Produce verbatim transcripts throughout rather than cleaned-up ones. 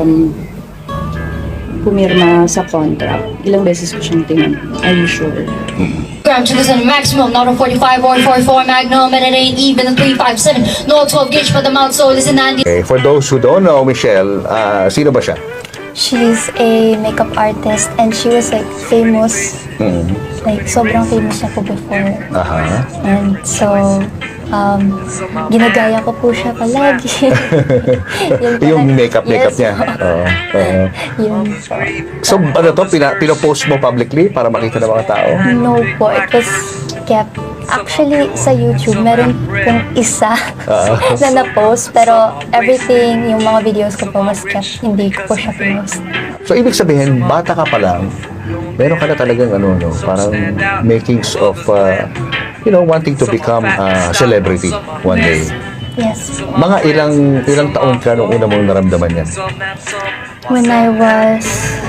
um, pumirma sa contract. Ilang beses ko siyang tinanong, are you sure? Gram to this maximum, not a forty-five or forty-four Magnum, and it ain't even a three five seven. No twelve gauge for the mouth, so listen, Andy. Okay, for those who don't know, Michelle, ah, sino ba siya? She's a makeup artist and she was like famous, Mm. like sobrang famous na po before. Aha. And so, um, ginagaya ko po siya palagi. Yun po Yung lang- makeup, makeup yes, niya. po. Oo. oo. Yun po. So, ano to? Pina, pinopost mo publicly para makita ng mga tao? No po, it was kept. Actually, sa YouTube, meron pong isa na na-post, pero everything, yung mga videos ko po was kept, hindi ko po siya pinost. So, ibig sabihin, bata ka pa lang, meron ka na talagang ano, no, parang makings of, uh, you know, wanting to become a celebrity one day. Yes. Mga ilang ilang taon ka nung una mong naramdaman yan? When I was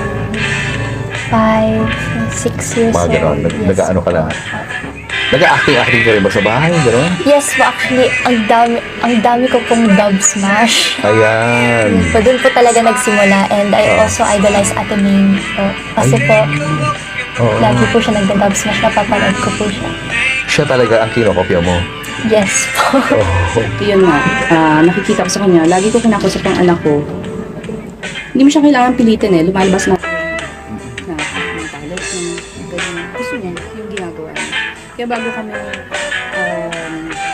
five, six years Mga old. gano'n. Nag, yes. Nag-ano ka na? Nag-acting-acting ka rin ba sa bahay? Gano'n? Yes po, actually, ang dami, ang dami ko pong dub smash. Ayan. So, doon po talaga nagsimula and I also idolize Ate Ming po. Kasi po, Oo. lagi po siya nagda-dub smash, napapanood ko po siya. Siya talaga ang kinokopya mo. Yes po. Oh. Yun nga, ah, nakikita ko sa kanya, lagi ko kinakusap ang anak ko. Hindi mo siya kailangan pilitin eh, lumalabas na na yung talent niya, ganyan. Gusto niya, yung ginagawa niya. Kaya bago kami um,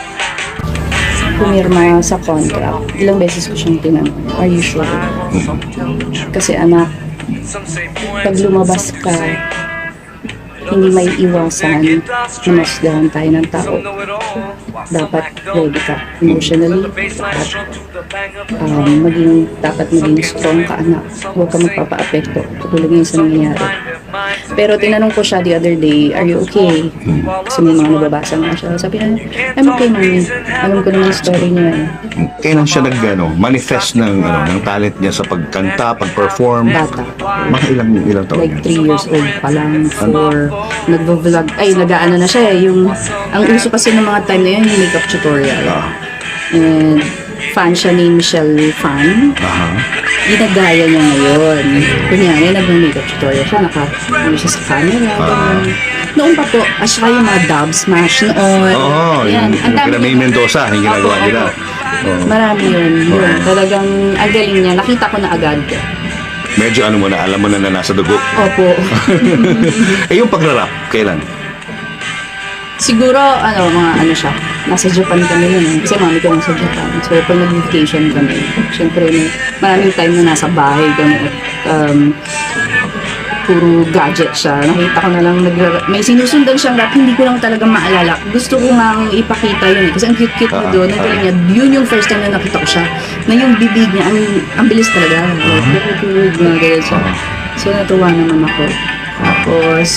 pumirma sa contract, ilang beses ko siyang tinanong, are you sure? Kasi anak, pag lumabas ka, hindi may iwasan na masdahan tayo ng tao. Dapat ready ka emotionally at um, maging, dapat maging strong ka anak. Huwag ka magpapa-apekto. Katulad ngayon sa nangyayari. Pero tinanong ko siya the other day, are you okay? Kasi may mga nababasa nga siya. Sabi niya, I'm okay mami. Alam ko naman yung story niya eh. Kailan siya nag, ano, manifest ng, ano, ng talent niya sa pagkanta, pag-perform? Bata. Mga ilang, ilang taon Like niya? three years old pa lang, four. Nagvo-vlog, ay nag-ano na siya eh. Yung, ang uso kasi ng mga time na yun, yung makeup tutorial. Ah. And fan siya ni Michelle Fan. Aha. Ginagaya niya ngayon. Kunyari, nag-makeup tutorial siya, naka-ano siya sa camera. ganun. Noon pa po, at saka yung mga dub smash noon. Oo, Yan. yung, Ang yung dami kina May niya. Mendoza, yung ginagawa Opo, nila. opo. Oo. Marami yun. yun. Talagang ang galing niya. Nakita ko na agad. Medyo ano mo na, alam mo na na nasa dugo. Opo. Eh, yung pagra-rap, kailan? Siguro, ano, mga ano siya, nasa Japan kami nun. eh. Kasi mami ko nasa Japan. So, pag nag-vacation kami, syempre, may maraming time na nasa bahay kami. At, um, puro gadget siya. Nakita ko na lang, nag- may sinusundan siyang rap, hindi ko lang talaga maalala. Gusto ko nga ipakita yun eh. Kasi ang cute-cute niya doon. Ang galing niya. Yun yung first time na nakita ko siya. Na yung bibig niya, ang, ang bilis talaga. Like, good, mga ganyan siya. So, natuwa naman ako. Tapos,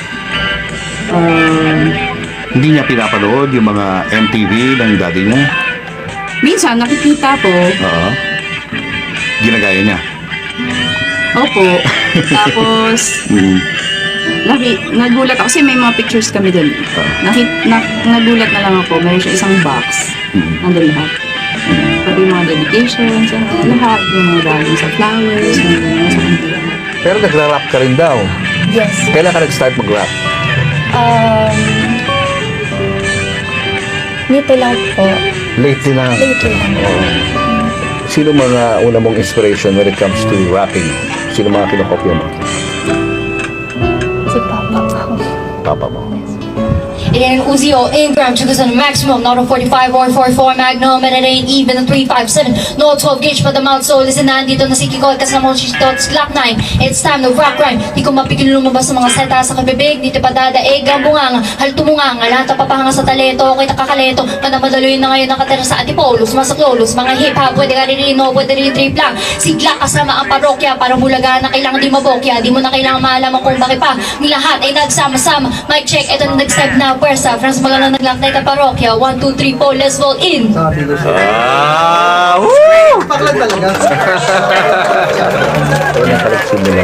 um, Hindi niya pinapanood yung mga M T V ng daddy niya? minsan nakikita ko, Oo. Ginagaya niya? opo, tapos Mm. naki, nagulat ako kasi may mga pictures kami doon. Naki, na, nagulat na lang ako, mayroon siya isang box, Mm. nandun lahat. Pati yung mga dedications, and lahat, yung mga galing sa flowers, yung mga sa kanila. Pero nagra-rap ka rin daw. Yes. Kailan ka nag-start mag-rap? Um, nito lang po. Lately lang. Lately lang po. Sino mga una mong inspiration when it comes to rapping? Sino mga kinokopya mo? Si Papa po. Papa mo. It ain't Uzi or Ingram to this maximum, not a forty-five or forty-four Magnum, and it ain't even a three five seven. No twelve gauge for the mouth, so listen, nandito na si Kiko, kasama mo si Tots Glock nine. It's time to rock rhyme. Di ko mapigil lumabas ng mga seta sa kabibig, dito pa dadaig ang bunganga, halto mo nga nga, lahat ang papahanga sa talento, okay nakakaleto, manamadaloy na ngayon nakatira sa Antipolo, sumasaklolos, mga hip-hop, pwede ka ririno, pwede rin trip lang. Si Glock kasama ang parokya, parang bulaga na kailangan di mabokya, di mo na kailangan maalaman kung bakit pa, ni lahat ay nagsama-sama. Mic check, eto na nag-step na pwersa, France magana naglaknay ka parokya, one, two, three, four, let's roll in. Ah! Woo! Paklan talaga. Wala ka nagsimula.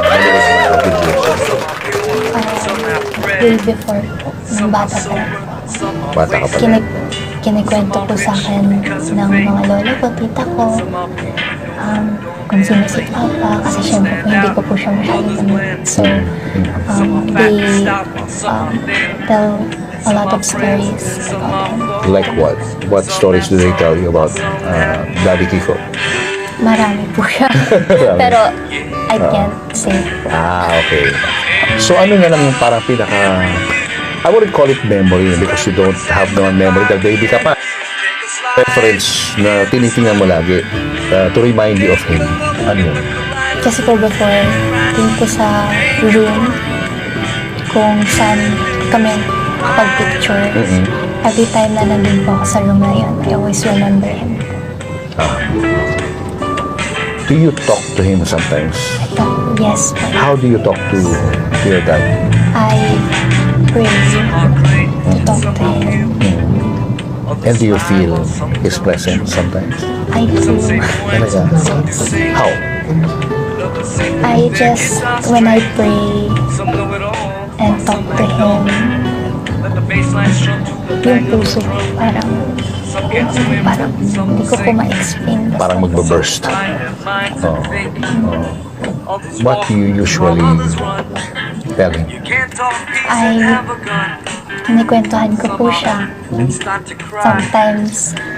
Way before po, nung bata pa lang. Bata ka pa. Kinig, kinikwento po sa akin ng mga lola ko, tita ko. Um, kung sino si Papa kasi syempre po hindi ko po siya masyadong namit. So, um, they um, tell a lot of stories about him. Like what? What stories do they tell you about uh, Daddy Kiko? Marami po siya. Pero I can't say. Ah, okay. So ano na lang yung parang pinaka, I wouldn't call it memory because you don't have no memory dahil baby ka pa. Reference na tinitingnan mo lagi uh, to remind you of him. Ano yun? Kasi po before, din po sa room kung saan kami kapag-picture. Mm-mm. Every time na nandun po ako sa room na yun, I always remember him. Do you talk to him sometimes? I thought, yes po. How do you talk to, to your dad? I pray to talk to him. And do you feel his presence sometimes? I do. Talaga? How? I just, when I pray and talk to him, yung puso ko parang, parang hindi ko po ma-explain. Parang magbe-burst. Oh. Oh. What do you usually tell him? Ay, kinikwentuhan ko po siya. Sometimes,